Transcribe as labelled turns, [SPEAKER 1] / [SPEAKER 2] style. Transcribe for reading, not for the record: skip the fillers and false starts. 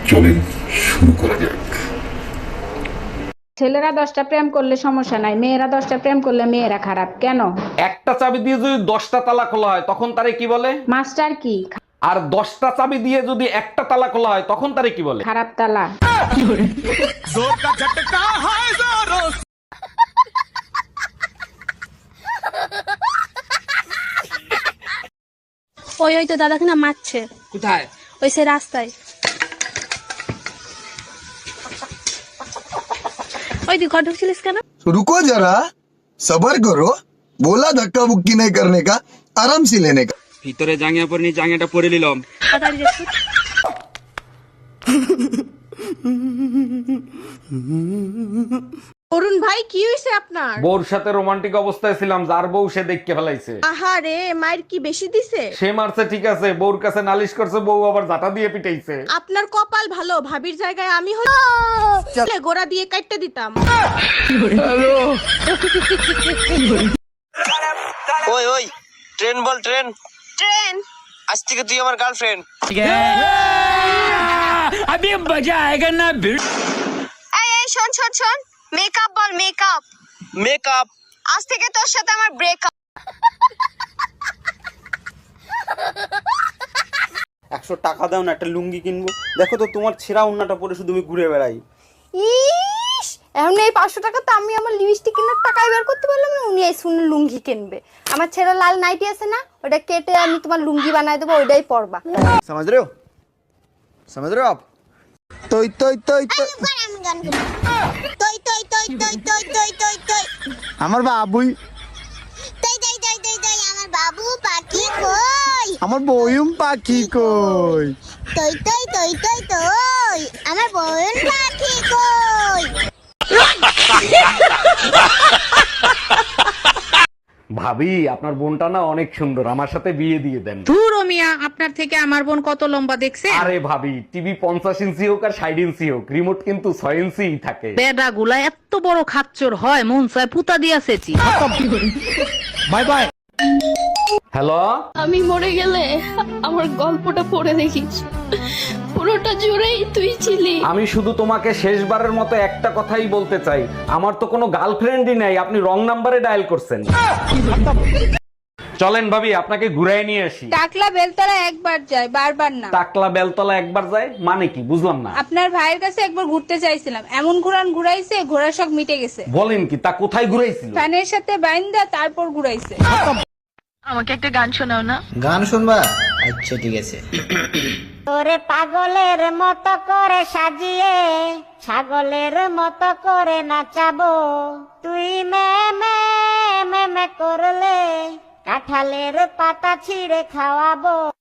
[SPEAKER 1] চলেন শুরু করা যাক।
[SPEAKER 2] ছেলেরা 10টা প্রেম করলে সমস্যা নাই, মেয়েরা 10টা প্রেম করলে মেয়েরা খারাপ কেন?
[SPEAKER 3] একটা চাবি দিয়ে যদি 10টা তালা খোলা হয় তখন তারে কি বলে?
[SPEAKER 2] মাস্টার কি
[SPEAKER 3] আর 10টা চাবি দিয়ে যদি একটা তালা খোলা হয় তখন তারে কি বলে?
[SPEAKER 2] খারাপ তালা?
[SPEAKER 4] ওই ওই তো দাদাকে না মারছে।
[SPEAKER 5] কোথায়?
[SPEAKER 4] ওই সে রাস্তায়। ওই তুই ঘর ঢুকছিলিস কেন?
[SPEAKER 6] रुको जरा सबर करो बोला धक्का बुक्की नहीं करने का आराम से लेने का।
[SPEAKER 5] ভিতরে জাঙ্গিয়া পরে জাঙ্গিয়াটা পরে নিলাম।
[SPEAKER 4] তাড়াতাড়ি যাচ্ছি।
[SPEAKER 7] অরুণ ভাই কি হয়েছে আপনার?
[SPEAKER 3] বউর সাথে রোমান্টিক অবস্থায় ছিলাম, যার বউ সে দেখকে ফেলাইছে।
[SPEAKER 7] আহারে, মায়ের কি বেশি দিছে?
[SPEAKER 3] সে মারছে ঠিক আছে, বউর কাছে নালিশ করছে, বউ আবার জাটা দিয়ে পিটাইছে।
[SPEAKER 7] আপনার কপাল ভালো, ভাবির জায়গায় আমি হলে গোড়া দিয়ে কাটতে দিতাম।
[SPEAKER 8] ওই ওই ট্রেন বল ট্রেন।
[SPEAKER 7] ট্রেন?
[SPEAKER 8] আজ থেকে তুই আমার গার্লফ্রেন্ড।
[SPEAKER 7] এই এই শোন শোন শোন, মেকআপ বল মেকআপ।
[SPEAKER 8] মেকআপ।
[SPEAKER 7] আজ থেকে তোর সাথে আমার ব্রেকআপ।
[SPEAKER 5] 100 টাকা দাও না, একটা লুঙ্গি কিনবো। দেখো তো তোমার ছেঁড়া ওন্নাটা পরে শুধু আমি ঘুরে বেড়াই।
[SPEAKER 9] ইস, এখন এই 500 টাকা তো আমি আমার লিপস্টিক কেনার টাকাই বের করতে পারলাম না, উনি এই শুনে লুঙ্গি কিনবে। আমার ছেলে লাল নাইটি আছে না, ওটা কেটে আমি তোমার লুঙ্গি বানাই দেবো, ওইটাই পরবা।
[SPEAKER 6] समझ रहे हो आप? तो আমার বাবুই
[SPEAKER 10] আমার বাবু পাখি কই,
[SPEAKER 6] আমার বয়ুম পাখি কই।
[SPEAKER 10] তই তই তই তই তই আমার বোন পাখি কই।
[SPEAKER 3] ভাবি, আপনার বোনটা না অনেক সুন্দর, আমার সাথে বিয়ে দিয়ে দেন।
[SPEAKER 2] ধুর ও মিয়া, আপনার থেকে আমার বোন কত লম্বা দেখছে?
[SPEAKER 3] আরে ভাবি, টিভি 50 ইঞ্চি হোক আর 60 ইঞ্চি হোক, রিমোট কিন্তু 6 ইঞ্চি থাকে।
[SPEAKER 2] বেডা গুলা এত বড় খাচ্চর হয়, মন চায় পুতা দিয়াছেছি।
[SPEAKER 3] Bye bye. হ্যালো,
[SPEAKER 4] আমি মরে গেলে আমার গল্পটা পড়ে দেখিস, পুরোটা জুড়েই তুই ছিলি।
[SPEAKER 3] আমি শুধু তোমাকে শেষবারের মতো একটা কথাই বলতে চাই, আমার তো কোনো গার্লফ্রেন্ডই নাই, আপনি রং নাম্বারে ডায়াল করছেন। চলেন ভাবি, আপনাকে ঘুরাই নিয়ে আসি।
[SPEAKER 2] টাকলা বেলতলা একবার যায়, বারবার না।
[SPEAKER 3] টাকলা বেলতলা একবার যায় মানে কি, বুঝলাম না।
[SPEAKER 2] আপনার ভাইয়ের কাছে একবার ঘুরতে চাইছিলাম, এমন ঘুরাইছে, ঘোড়ার শখ মিটে গেছে।
[SPEAKER 3] বলেন কি, তা কোথায় ঘুরাইছিল?
[SPEAKER 2] ফ্যানের সাথে বাইন্দা তারপর ঘুরাইছে।
[SPEAKER 4] আমাকে একটা গান শোনাও না।
[SPEAKER 8] গান শুনবা? আচ্ছা ঠিক আছে।
[SPEAKER 10] তোরে পাগলের মতো করে সাজিয়ে ছাগলের মতো করে নাচাবো, তুই মে মে মে মে করলে কাঁঠালের পাতা ছিঁড়ে খাওয়াবো।